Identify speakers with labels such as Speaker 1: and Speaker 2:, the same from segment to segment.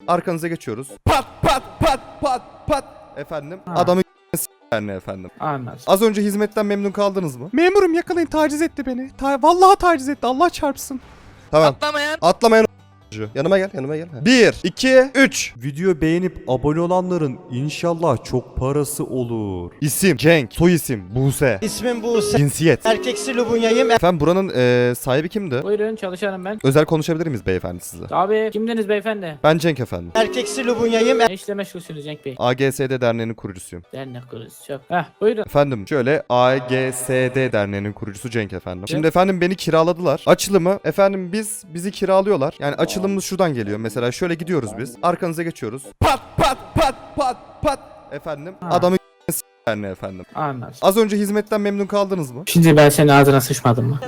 Speaker 1: Arkanıza geçiyoruz. Pat pat pat pat pat. Efendim adamı yani efendim.
Speaker 2: Anladım.
Speaker 1: Az önce hizmetten memnun kaldınız mı?
Speaker 3: Memurum yakalayın, taciz etti beni. Vallahi taciz etti, Allah çarpsın.
Speaker 1: Tamam.
Speaker 4: Atlamayan.
Speaker 1: Atlamayan yanıma gel, yanıma gel. 1 2 3.
Speaker 5: Video beğenip abone olanların inşallah çok parası olur.
Speaker 1: İsim Cenk, soy isim Buse,
Speaker 6: İsmim Buse.
Speaker 1: cinsiyet.
Speaker 6: Erkeksi Lubunya'yım.
Speaker 1: Efendim buranın sahibi kimdi?
Speaker 2: Buyurun, çalışanım ben.
Speaker 1: Özel konuşabilir miyiz beyefendi sizle?
Speaker 2: Abi kimdiniz beyefendi?
Speaker 1: Ben Cenk efendim.
Speaker 6: Erkeksi Lubunya'yım.
Speaker 2: Ne işle meşgulsünüz Cenk Bey?
Speaker 1: AGSD Derneği'nin kurucusuyum.
Speaker 2: Dernek kurucusu çok. Buyurun.
Speaker 1: Efendim şöyle AGSD Derneği'nin kurucusu Cenk efendim. Şimdi efendim beni kiraladılar. Açılımı efendim bizi kiralıyorlar. Yani açılımımız şuradan geliyor. Mesela şöyle gidiyoruz biz. Arkanıza geçiyoruz. Pat pat pat pat pat. Efendim adamı yani efendim.
Speaker 2: Anladım.
Speaker 1: Az önce hizmetten memnun kaldınız mı?
Speaker 2: Şimdi ben senin ağzına sıçmadım mı?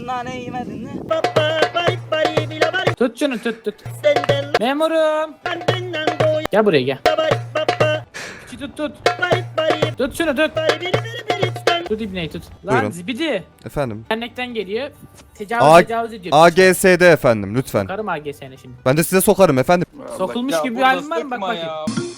Speaker 2: Tut şunu, tut. Memurum. Gel buraya gel. Tut. Tut şunu, tut. Tut ibneyi tut. Lan
Speaker 1: Buyurun.
Speaker 2: zibidi.
Speaker 1: Efendim.
Speaker 2: Dernekten geliyor. Tecavüz ediyor.
Speaker 1: AGSD efendim lütfen.
Speaker 2: Sokarım AGS'ne şimdi.
Speaker 1: Ben de size sokarım efendim.
Speaker 2: Sokulmuş gibi bir halim var mı? Bak bakayım.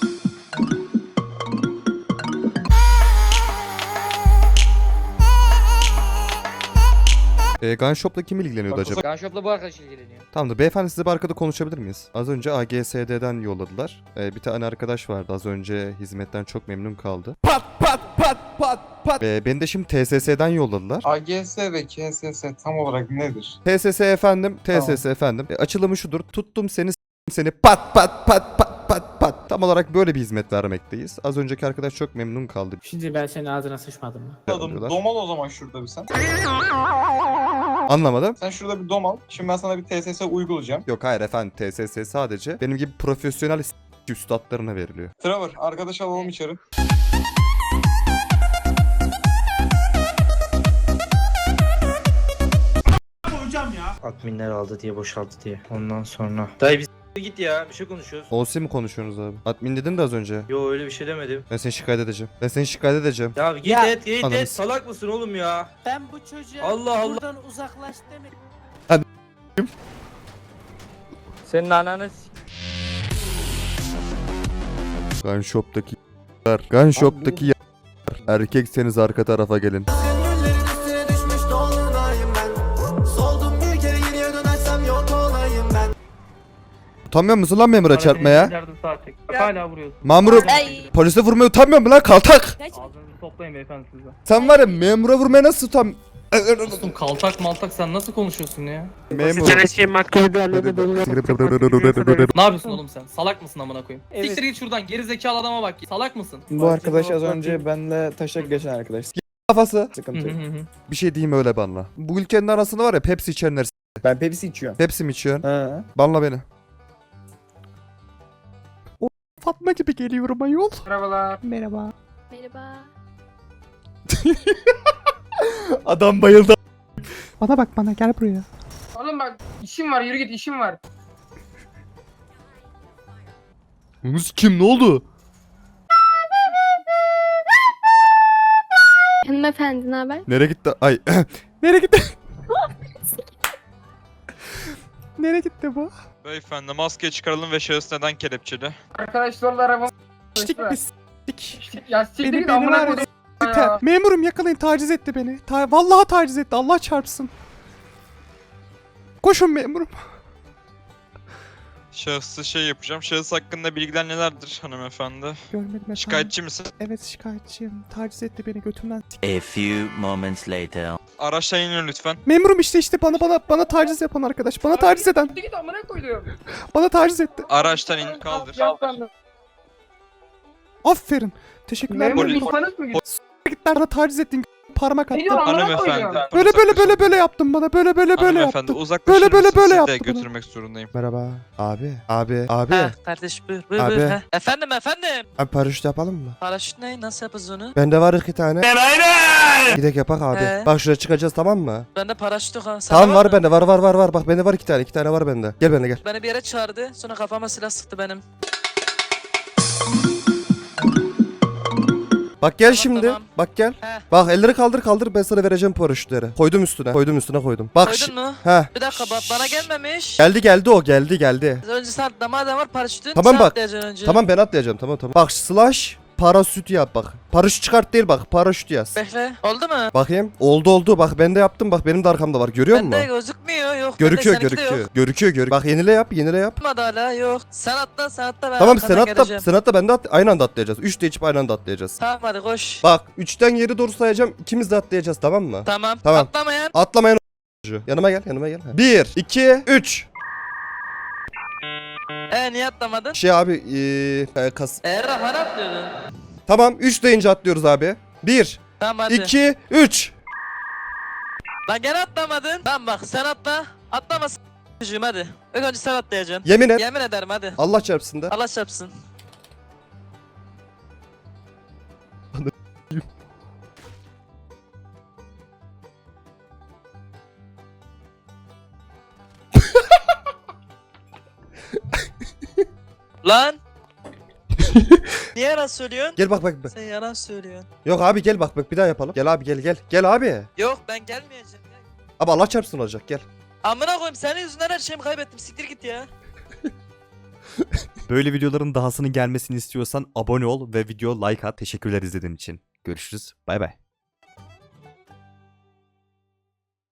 Speaker 1: Gun Shop'la kim ilgileniyordu acaba?
Speaker 4: Gunshop'la bu arkadaş ilgileniyor.
Speaker 1: Tamamdır. Beyefendi size bir arkada konuşabilir miyiz? Az önce AGSD'den yolladılar. Bir tane arkadaş vardı. Az önce hizmetten çok memnun kaldı. Pat pat pat pat pat. Beni de şimdi TSS'den yolladılar.
Speaker 7: AGS ve KSS tam olarak nedir?
Speaker 1: TSS efendim. TSS efendim. Açılımı şudur. Tuttum seni pat pat pat pat pat pat. Tam olarak böyle bir hizmet vermekteyiz. Az önceki arkadaş çok memnun kaldı.
Speaker 2: Şimdi ben senin ağzına sıçmadım mı?
Speaker 7: Adım domal o zaman şurada bir sen.
Speaker 1: Anlamadım.
Speaker 7: Sen şurada bir domal. Şimdi ben sana bir TSS uygulayacağım.
Speaker 1: Yok hayır efendim. TSS sadece benim gibi profesyonel üstadlarına veriliyor.
Speaker 7: Trevor arkadaş alalım içeri.
Speaker 8: Adminler aldı diye boşalttı diye. Ondan sonra. Dayı biz git ya, bir şey konuşuyoruz.
Speaker 1: OC mi konuşuyorsunuz abi? Admin dedin de az önce.
Speaker 8: Yo öyle bir şey demedim.
Speaker 1: Ben seni şikayet edeceğim. Ben seni şikayet edeceğim.
Speaker 8: Ya git
Speaker 6: Ya,
Speaker 8: git
Speaker 1: ananı
Speaker 8: salak mısın oğlum ya?
Speaker 6: Ben bu çocuğa
Speaker 8: Allah Allah.
Speaker 6: buradan uzaklaş demek.
Speaker 4: Senin ananı
Speaker 1: Gun Shop'taki Gun Shop'taki erkekseniz arka tarafa gelin. Utanmıyor musun lan memura çarpmaya?
Speaker 9: Hala vuruyorsun.
Speaker 1: Mamuru polise vurmaya utanmıyor musun lan kaltak?
Speaker 9: Ağzınızı toplayın beyefendi siz de.
Speaker 1: Sen var ya memura vurmaya nasıl
Speaker 9: Dostum kaltak maltak sen nasıl konuşuyorsun ya?
Speaker 1: Memur.
Speaker 9: Ne yapıyorsun oğlum sen? Salak mısın amına koyayım? Siktir git şuradan geri zekalı adama bak. Salak mısın?
Speaker 10: Bu arkadaş az önce benle taşak geçen arkadaş.
Speaker 1: Kafası.
Speaker 10: Sıkıntı yok.
Speaker 1: Bir şey diyeyim öyle banla. Bu ülkenin arasında var ya Pepsi içenler.
Speaker 10: Ben Pepsi içiyorum.
Speaker 1: Pepsi mi içiyorsun?
Speaker 10: Ha.
Speaker 1: Banla beni.
Speaker 3: Fatma gibi geliyorum ayol.
Speaker 9: Merhabalar.
Speaker 3: Merhaba.
Speaker 11: Merhaba.
Speaker 1: Adam bayıldı.
Speaker 3: Bana bak, bana gel buraya.
Speaker 9: Oğlum bak işim var yürü git işim var.
Speaker 1: Yunus kim ne oldu?
Speaker 11: Hanımefendi ne haber?
Speaker 1: Nereye gitti? Ay.
Speaker 3: Nereye gitti? Nereye gitti bu?
Speaker 12: Beyefendi maske çıkaralım ve şahıs neden kelepçeli?
Speaker 9: Arkadaşlarla arabam.
Speaker 3: Ştik biz. Ştik.
Speaker 9: Ya siktir
Speaker 3: Beni
Speaker 9: git
Speaker 3: var
Speaker 9: amına
Speaker 3: ya,
Speaker 9: koydum.
Speaker 3: Memurum yakalayın, taciz etti beni. Vallahi taciz etti, Allah çarpsın. Koşun memurum.
Speaker 12: Şahsı şey yapacağım. Şahıs hakkında bilgiler nelerdir hanımefendi?
Speaker 3: Görmedim efendim.
Speaker 12: Şikayetçi misin?
Speaker 3: Evet şikayetçiyim. Taciz etti beni götümden.
Speaker 8: A few moments later.
Speaker 12: Araçtan inin lütfen.
Speaker 3: Memurum işte bana taciz yapan arkadaş. Bana taciz eden.
Speaker 9: Siktir git amına koydum.
Speaker 3: Bana taciz etti.
Speaker 12: Araçtan in kaldır.
Speaker 3: Aferin. Teşekkürler.
Speaker 9: Memur
Speaker 12: Polis.
Speaker 9: insanız mı?
Speaker 3: Git bana taciz ettin. Parmak
Speaker 9: Ne
Speaker 3: attın.
Speaker 9: diyorsun amına
Speaker 12: Hanımefendi.
Speaker 9: koydum.
Speaker 3: Böyle yaptın bana. Böyle
Speaker 12: Hanımefendi
Speaker 3: yaptın.
Speaker 12: uzaklaşır
Speaker 3: Böyle
Speaker 12: mısın? Sizi de
Speaker 3: yaptı bana.
Speaker 12: götürmek zorundayım.
Speaker 1: Merhaba. Abi. Abi.
Speaker 4: kardeş buyur
Speaker 1: Abi.
Speaker 4: buyur. Efendim.
Speaker 1: Abi paraşüt yapalım mı?
Speaker 4: Paraşüt ne? Nasıl yapacağız onu?
Speaker 1: Bende var 2 tane. Gidek yapak abi. Bak şuraya çıkacağız tamam mı?
Speaker 4: Bende paraşüt yok ha.
Speaker 1: Tamam var bende var. Bak bende var 2 tane. 2 tane var bende. Gel benimle gel.
Speaker 4: Beni bir yere çağırdı. Sonra kafama silah sıktı benim.
Speaker 1: Bak gel
Speaker 4: Tamam,
Speaker 1: şimdi.
Speaker 4: tamam.
Speaker 1: Bak gel.
Speaker 4: He.
Speaker 1: Bak elleri kaldır ben sana vereceğim paraşütleri. Koydum üstüne. Koydum. Bak
Speaker 4: Koydun mu?
Speaker 1: He.
Speaker 4: Bir dakika bana gelmemiş.
Speaker 1: Geldi o geldi.
Speaker 4: Önce sen atlama adam var paraşütün.
Speaker 1: Tamam
Speaker 4: sen
Speaker 1: bak.
Speaker 4: atlayacaksın önce.
Speaker 1: Tamam ben atlayacağım tamam. Bak slash parasüt yap bak. Paraşüt çıkart değil bak paraşüt yaz.
Speaker 4: Bekle. Oldu mu?
Speaker 1: Bakayım. Oldu. Bak ben de yaptım. Bak benim de arkamda var. Görüyor musun?
Speaker 4: Bende gözükmüyor yok.
Speaker 1: Görüküyor.
Speaker 4: Bende seninki de yok.
Speaker 1: Görüküyor. Bak yenile yap.
Speaker 4: Olmadı hala yok. Sen atla ben
Speaker 1: Tamam
Speaker 4: arkandan geleceğim.
Speaker 1: sen atla ben de aynı anda atlayacağız. 3 de içip aynı anda atlayacağız.
Speaker 4: Tamam hadi koş.
Speaker 1: Bak 3'ten geri doğru sayacağım. İkimiz de atlayacağız tamam mı?
Speaker 4: Tamam.
Speaker 1: Tamam.
Speaker 4: Atlamayan.
Speaker 1: Atlamayan yanıma gel. 1 2 3
Speaker 4: Niye atlamadın?
Speaker 1: Şey abi
Speaker 4: Rahman atlıyordun.
Speaker 1: Tamam 3 deyince atlıyoruz abi. 1
Speaker 4: Tamam hadi.
Speaker 1: 2 3
Speaker 4: Lan gene atlamadın. Tamam bak sen atla. Atlamasın. Çocuğum hadi. İlk önce sen atlayacaksın.
Speaker 1: Yemin et.
Speaker 4: Yemin ederim hadi.
Speaker 1: Allah çarpsın da.
Speaker 4: Allah çarpsın. Lan. Niye yalan söylüyorsun?
Speaker 1: Gel bak.
Speaker 4: Sen yalan söylüyorsun.
Speaker 1: Yok abi gel bak bir daha yapalım. Gel abi gel. Gel abi.
Speaker 4: Yok ben gelmeyeceğim.
Speaker 1: Abi Allah çarpsın olacak gel.
Speaker 4: Amına koyayım senin yüzünden her şeyimi kaybettim. Siktir git ya.
Speaker 5: Böyle videoların dahasının gelmesini istiyorsan abone ol ve video like at. Teşekkürler izlediğin için. Görüşürüz. Bay bay.